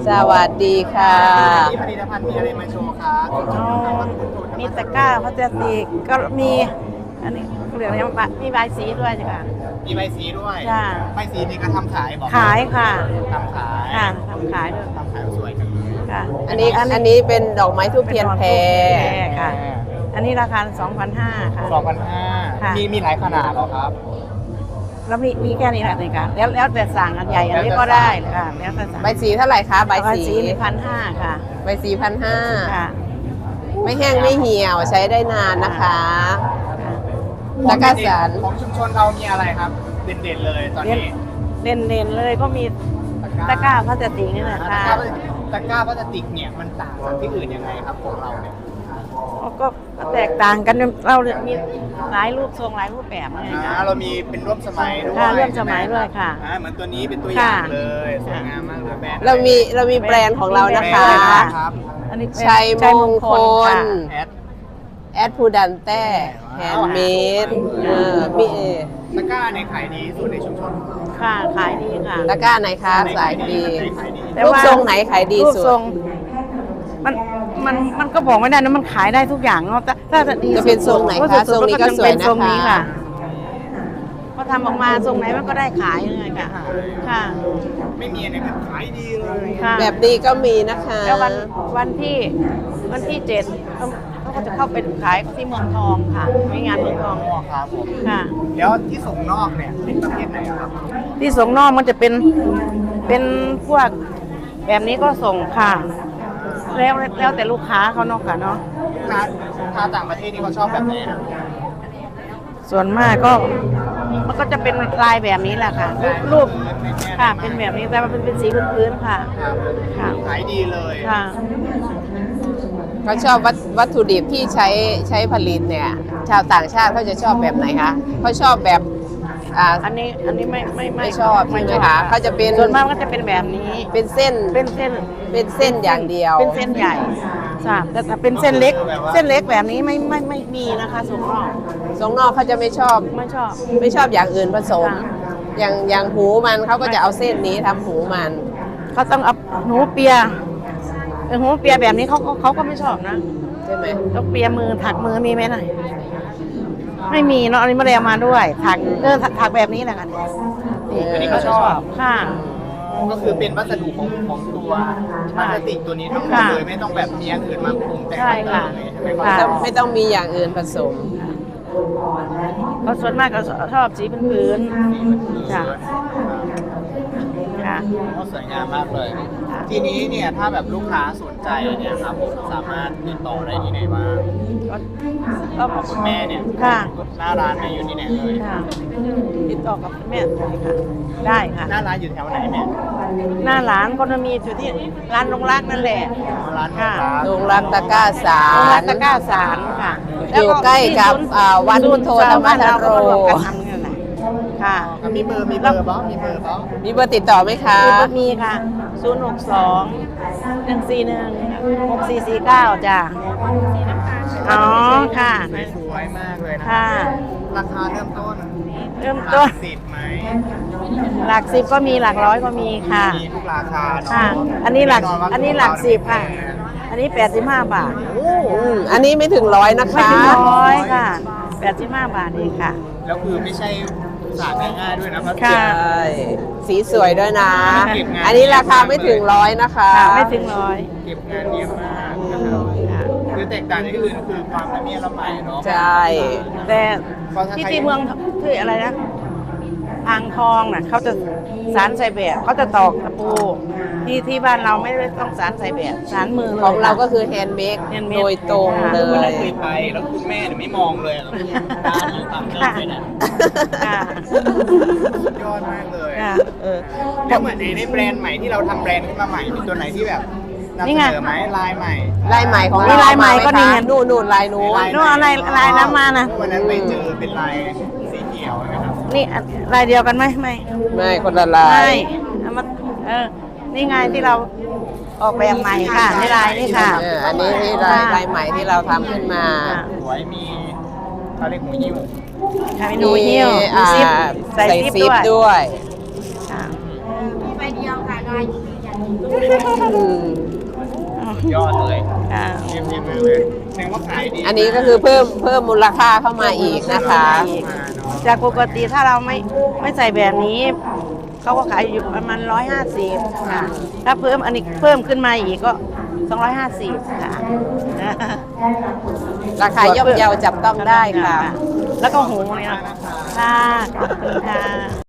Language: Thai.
สวัสดีค่ะมีผลิตภัณฑ์มีอะไรมาโชว์คะมีตะกร้าพลาสติกก็มีอันนี้เหลืองยังมีใบสีด้วยจ้ะค่ะมีใบสีด้วยจ้ะใบสีนี่ก็ทำขายบอกขายค่ะทำขายค่ะทำขายด้วยทำขายสวยจังเลยค่ะอันนี้เป็นดอกไม้ทูบเทียนแพรค่ะ อันนี้ราคา 2,500 ค่ะ 2,500 ค่ะมีหลายขนาดเหรอครับแล้วมีแค่นี้แหละนี่ค่ะแล้วแต่สั่งอันใหญ่อันนี้ก็ได้ค่ะแล้วแต่สั่งใบสีเท่าไหร่คะใบใบสีสี1,500 ค่ะใบสี1,500 ค่ะไม่แห้งไม่เหี่ยวใช้ได้นานนะคะค่ะตะกร้าสารของชุมชนเรามีอะไรครับ เด่นๆเลยตอนนี้เด่นเลยก็มีตะกร้าพลาสติกนี่แหละตะค่ะกร้าพลาสติกเนี่ยมันต่างจากที่อื่นยังไงครับของเราเนี่ยก็แตกต่างกันเรามีหลายรูปทรงหลายรูปแบบไงคะเรามีเป็นร่วมสมัยด้วยค่ะร่วมสมัยด้วยค่ะเหมือนตัวนี้เป็นตัวอย่างค่ะเลยสวยงามมากเลยแบรนด์เรามีแบรนด์ของเรานะคะแบรนด์อะไรครับอันนี้ชัยมงคลค่ะแอดพูดันแต้แฮนด์เมดมีตะกร้าในขายดีสุดในชุมชนค่ะขายดีค่ะตะกร้าไหนคะสายดีขายดีแต่รูปว่าทรงไหนขายดีรูปสุทรดงมันก็บอกไม่ได้นะมันขายได้ทุกอย่างเนาะถ้าจะดีจะเป็นทรงไหนคะสุดทรงนี้ก็จะสวยนะคะเป็นทรงนี้ค่ะพอทำออกมาทรงไหนมันก็ได้ขายเลยค่ะค่ะไม่มีอะไรแบบขายดีเลยค่ะแบบนี้ก็มีนะคะแล้ววันที่7เขาก็จะเข้าไปขายที่เมืองทองค่ะมีงานเมืองทองครับผมค่ะแล้วที่ส่งนอกเนี่ยเป็นประเภทไหนครับที่ส่งนอกมันจะเป็นพวกแบบนี้ก็ส่งค่ะ แล้วแต่ลูกค้าเขาเนาะค่ะเนาะลูกค้าต่างประเทศนี่เขาชอบแบบไหนครับส่วนมากก็มันก็จะเป็นลายแบบนี้แหละค่ะรูปค่ะเป็นแบบนี้แต่มันเป็นสีพื้นๆค่ะครับค่ะขายดีเลยค่ะเขาชอบวัตถุดิบที่ใช้ผลิตเนี่ย ชาวต่างชาติเขาจะชอบแบบไหนคะเขาชอบแบบอันนี้ไม่ไม่ชอบใช่ไหมคะเขาจะเป็นส่วนมากก็จะเป็นแบบนี้เป็นเส้นเป็นเส้นเป็นเส้นอย่างเดียวเป็นเส้นใหญ่ค่ะแต่ถ้าเป็นเส้นเล็กแบบนี้ไม่มีนะคะส่งนอกทรงนอกเขาจะไม่ชอบไม่ชอบไม่ชอบอย่างอื่นผสมค่ะอย่างหูมันเขาก็จะเอาเส้นนี้ทำหูมันเขาต้องเอาหูเปียหูเปียแบบนี้เขาก็ไม่ชอบนะใช่ไหมต้องเปียมือถักมือมีไหมน่ะไม่มีเนาะอันนี้ไม่ได้เอามาด้วยถักแบบนี้แหละกันอันนี้ก็ชอบค่ะก็คือเป็นวัสดุของตัวพลาสติกตัวนี้ทั้งหมดค่ะเลยไม่ต้องแบบมีอย่างอื่นมาปรุงแต่งใช่ค่ะเลยใช่ไหมคค่ะรับไม่ต้องมีอย่างอื่นผสมเขาส่วนมากก็ชอบสีพื้นๆค่ะค่ะก็สวยงามมากเลย ทีนี้เนี่ยถ้าแบบลูกค้าสนใจเนี่ยครับผมสามารถติดต่อได้ที่ไหนบ้างก็ของคุณแม่เนี่ยค่ะหน้าร้านเนี่ยอยู่ที่ไหนเลยค่ะติดต่อกับแม่ได้ค่ะได้ค่ะหน้าร้านอยู่แถวไหนเนี่ยหน้าร้านก็จะมีอยู่ที่ร้านลงรักนั่นแหละร้านค่ะโรงรักตะกร้าสาลงรัรกตะกร้าสารค่ะอยู่ใกล้กับวัดพุทโธธรรมธโรก็วมกันทำนี่แหละค่ะมีเบอร์บ้างมีเบอร์บ้างมีเบอร์ติดต่อไหมคะมีค่ะ 062-141-6449 จ้ะอ๋อค่ะสวยมากเลยนะค่ะราคาเริ่มต้นเริ่มต้นสิบไหมหลัก10ก็มีหลักร้อยก็มีค่ะมีทุกราคาเนาะค่ะ อันนี้หลักแว่าอันนี้หลัก10ค่ะ อันนี้85 บาทอันนี้ไม่ถึง100นะคะไม่ถึงร้อยค่ะ85 บาทเองค่ะแล้วคือไม่ใช่สาดง่ายๆด้วยนะเพราะค่ะใช่สีสวยด้วยนะเก็บงานอันนี้ราคาไม่ถึง100นะคะค่ะไม่ถึงร้อยเก็บงานเยอะมากนะครับค่ะคือแตกต่างจากที่อื่นคือความละเมียดละไมเนาะใช่แต่ที่เมืองที่อะไรนะอ่างทองน่ะเขาจะสารใส่แบบเขาจะตอกตะปูที่บ้านเราไม่ได้ต้องสารใส่แบบสารมือเลยของเราก็คือแฮนด์เมด handmade โดยตรงเลวันนั้นยเคยไปแล้วคุณแม่เนี่ยไม่มองเลยอะร้านอยู่ต่างเดินไปเนี่ยค่ะสุดยอดมากเลยค่ะแล้วเหมือนในแบรนด์ใหม่ที่เราทำแบรนด์ขึ้นมาใหม่มีตัวไหนที่แบบนำนี่เสไงนอไหมลายใหม่ลายใหม่ของมีเราลายใหม่าก็นี่ไงนู่นลายนู้นนู่นอะไรลายน้ำมานะวันนั้นไปเจอเป็นลายสีเขียวนะครับนี่ลายเดียวกันไหมไม่ไม่คนละลาไม่ยเอามานี่ไงที่เราออกแบบใหม่ค่ะนี่ลายนี่ค่ะอันนี้ที่ลายใหม่ที่เราทำขึ้นมาค่ะสวยมีเขาเรียกหูยิ้วค่ะมีหนูหิ้วมีซิปใส่ซิปซิปด้วยด้วยค่ะมีใบเดียวค่ะลายอยู่อย่างอืมยอดเลยค่ะเยี่ยมเลยแสดงว่าขายดีอันนี้ก็คือเพิ่มมูลค่าเข้ามาอีกนะคะจากปกติถ้าเราไม่ใส่แบบนี้เขาก็ขายอยู่ประมาณ150ค่ะถ้าเพิ่มอันนี้เพิ่มขึ้นมาอีกก็250ค่ะราคาย่อมเยาจับต้องได้ค่ะแล้วก็หูเนี่ยค่ะขอบคุณค่ะ